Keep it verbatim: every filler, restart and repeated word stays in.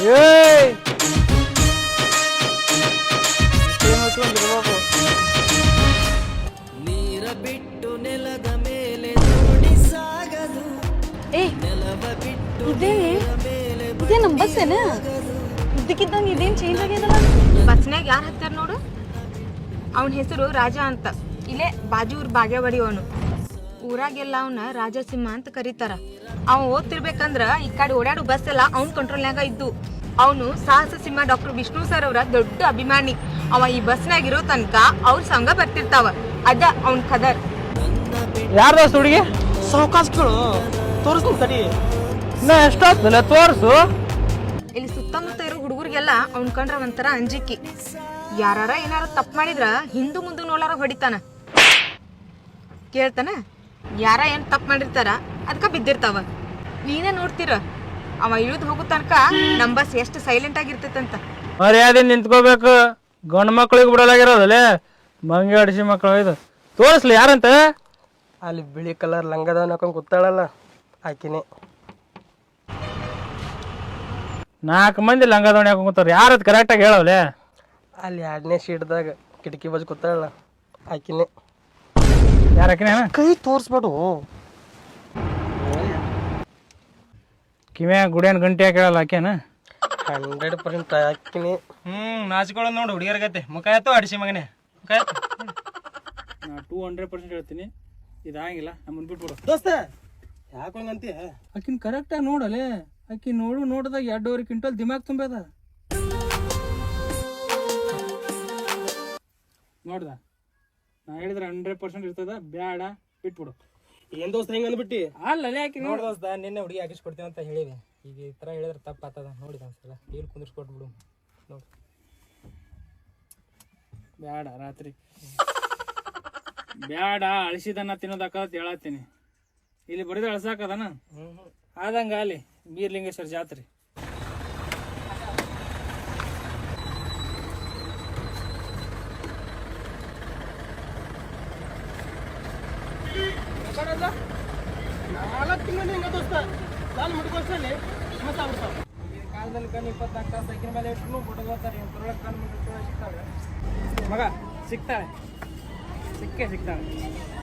ಏಯ್ ನೀರ ಬಿಟ್ಟು ನೆಲದ ಮೇಲೆ ನೋಡಿ ಸಾಗದು ಏ ನೆಲವ ಬಿಟ್ಟು ಇದೇ ಇದೇ ನಮ್ಮ ಬಸ್ ಏನ ಇದ್ದಕ್ಕಿದ್ದಂಗೆ ಇದೇನು ಚೇಂಜ್ ಆಗ್ಯದಲ್ಲ. ಬಸ್ನಾಗ ಯಾರು ಹತ್ತಾರ ನೋಡು, ಅವನ ಹೆಸರು ರಾಜ ಅಂತ. ಇಲ್ಲೇ ಬಾಜು ಊರ್ ಬಾಗೇವಾಡಿ ಅವನು. ಊರಾಗೆಲ್ಲ ಅವನ ರಾಜಸಿಂಹ ಅಂತ ಕರೀತಾರ. ಅವ ಓದ್ತಿರ್ಬೇಕಂದ್ರ ಈ ಕಡೆ ಓಡಾಡು ಬಸ್ ಎಲ್ಲ ಅವ್ನ ಕಂಟ್ರೋಲ್ನಾಗ ಇದ್ದು. ಅವನು ಸಾಹಸ ಸಿಂಹ ಡಾಕ್ಟರ್ ವಿಷ್ಣು ಸರ್ ಅವರ ದೊಡ್ಡ ಅಭಿಮಾನಿ. ಅವ ಈ ಬಸ್ನಾಗ ಇರೋ ತನಕ ಅವ್ರ ಸಂಘ ಬರ್ತಿರ್ತಾವ. ಅದ ಅವನ್ ಖದರ್. ಯಾರ್ದ ಹುಡುಗಿ ಸಾವಕಾಶ ಕೇಳು ತೋರಿಸ್ತೀನಿ ತಡಿ. ಇನ್ನ ಎಷ್ಟಾಗ್ತಲ್ಲ ತೋರ್ಸು. ಇಲ್ಲಿ ಸುತ್ತಮುತ್ತ ಇರೋ ಹುಡುಗರಿಗೆಲ್ಲ ಅವ್ನ ಕಂಡ್ರ ಒಂಥರ ಅಂಜಿಕಿ. ಯಾರ ಏನಾರ ತಪ್ಪು ಮಾಡಿದ್ರ ಹಿಂದು ಮುಂದೆ ನೋಲಾರ ಹೊಡಿತಾನ. ಕೇಳ್ತಾನ, ಯಾರ ಏನ್ ತಪ್ಪು ಮಾಡಿರ್ತಾರ ಅದಕ್ಕ ಬಿದ್ದಿರ್ತಾವ. ನೀನೇ ನೋಡ್ತೀರ ಅವ ಇಳಿದು ಹೋಗೋ ತನಕ ನಮ್ ಬಸ್ ಎಷ್ಟು ಸೈಲೆಂಟ್ ಆಗಿರ್ತೈತಂತ. ಮರ್ಯಾದೆ ನಿಂತ್ಕೋಬೇಕು. ಗಂಡು ಮಕ್ಳಿಗೆ ಬಿಡಲಾಗಿರೋದಲ್ಲೇ ಮಂಗಿ ಅಡಿಸಿ ಮಕ್ಕಳು ಇದು ತೋರಿಸ್ಲಿ ಯಾರಂತ. ಅಲ್ಲಿ ಬಿಳಿ ಕಲರ್ ಲಂಗದವನ್ ಹಾಕೊಂಡು ಕೂತಾಳಲ್ಲ ಆಕಿನೇ. ನಾಲ್ಕು ಮಂದಿ ಲಂಗ ದೋಣಿ ಹಾಕೊಂಡ್ ಕೂತಾರ. ಯಾರದ್ ಕರೆಕ್ಟಾಗಿ ಹೇಳವಲೆ. ಅಲ್ಲಿ ಎರಡನೇ ಸೀಟ್ದಾಗ ಕಿಟಕಿ ಬಾಜು ಕೂತಾಳಲ್ಲ ಆಕಿನೇ. ಯಾರಕಿನ ಕೈ ತೋರಿಸ್ಬೇಡು. ಕಿವ್ಯಾ ಗುಡಿಯನ್ ಗಂಟೆ ಹಾಕೇಳಲ್ಲ ಆಕೇನ. Hundred percent ಆಕಿನೇ. ಹ್ಮ್ ನಾಚಿಕೊಳ್ಳೋದು ನೋಡು ಹುಡುಗಿಯರ್ಗತ್ತೆ. ಮುಖ ಆಯ್ತು ಅಡಿಸಿ ಮಗನೇ ಮುಖ ಆಯ್ತು. ನಾ ಟೂ ಹಂಡ್ರೆಡ್ ಪರ್ಸೆಂಟ್ ಹೇಳ್ತೀನಿ, ಇದಾಗಿಲ್ಲ ನಮ್ಮನ್ ಬಿಟ್ಬಿಡು. ದೋಸ್ತ ಯಾಕೆ ಹಂಗಂತೀಯ? ಆಕಿನ್ ಕರೆಕ್ಟಾಗಿ ನೋಡಲೆ. ಆಕಿ ನೋಡು ನೋಡಿದಾಗ ಎರಡೂವರೆ ಕ್ವಿಂಟಲ್ ದಿಮಾಗ್ ತುಂಬೇದ. ನೋಡ್ದ ನಾ ಹೇಳಿದ್ರೆ ಹಂಡ್ರೆಡ್ ಪರ್ಸೆಂಟ್ ಇರ್ತದ. ಬ್ಯಾಡ ಬಿಟ್ಬಿಡು. ಏನ್ ದೋಸ್ತ ಹೆಂಗ ಅಂದ್ಬಿಟ್ಟಿ? ಅಲ್ಲಲೆ ಆಕಿ ನೋಡ್ ನೋಡ್ದೋಸ್ತ ನಿನ್ನೆ ಹುಡುಗಿ ಹಾಕಿಸ್ಕೊಡ್ತೀನಿ ಅಂತ ಹೇಳಿದೆ. ಈಗ ಈ ತರ ಹೇಳಿದ್ರೆ ತಪ್ಪ ಆಗ್ತದ. ನೋಡಿದ ಒಂದ್ಸಲ ಇಲ್ಲಿ ಕುಂದಿರ್ಸ್ಕೊಟ್ಬಿಡು. ನೋಡಿ ಬ್ಯಾಡ ರಾತ್ರಿ ಬ್ಯಾಡ ಅಳಿಸಿದನ್ನ ತಿನ್ನೋದಾಕತ್ ಹೇಳತ್ತೀನಿ. ಇಲ್ಲಿ ಬರೀದ ಅಳ್ಸಾಕದನ ಆದಂಗ ಅಲ್ಲಿ ಬೀರ್ಲಿಂಗೇಶ್ವರ ಜಾತ್ರೆ. ನಾಲ್ಕು ತಿಂಗಳು ಹೆಂಗ ದೋಸ್ತ ನಾನು ಮುಟ್ಕೊಳ್ಸಲ್ಲಿ ಮತ್ತಾಗ್ಬಿಡ್ತಾವ. ಕಾಲದಲ್ಲಿ ಕಣ್ಣು ಇಪ್ಪತ್ನಾಲ್ಕು ತಾಸು ಸೈಕಿನ ಮೇಲೆ ಇಟ್ಟು ಫೋಟೋ ಬರ್ತಾರೆ. ಕಣ್ಣು ಸಿಗ್ತಾಳೆ ಮಗ, ಸಿಗ್ತಾಳೆ ಸಿಕ್ಕೇ ಸಿಗ್ತಾಳೆ.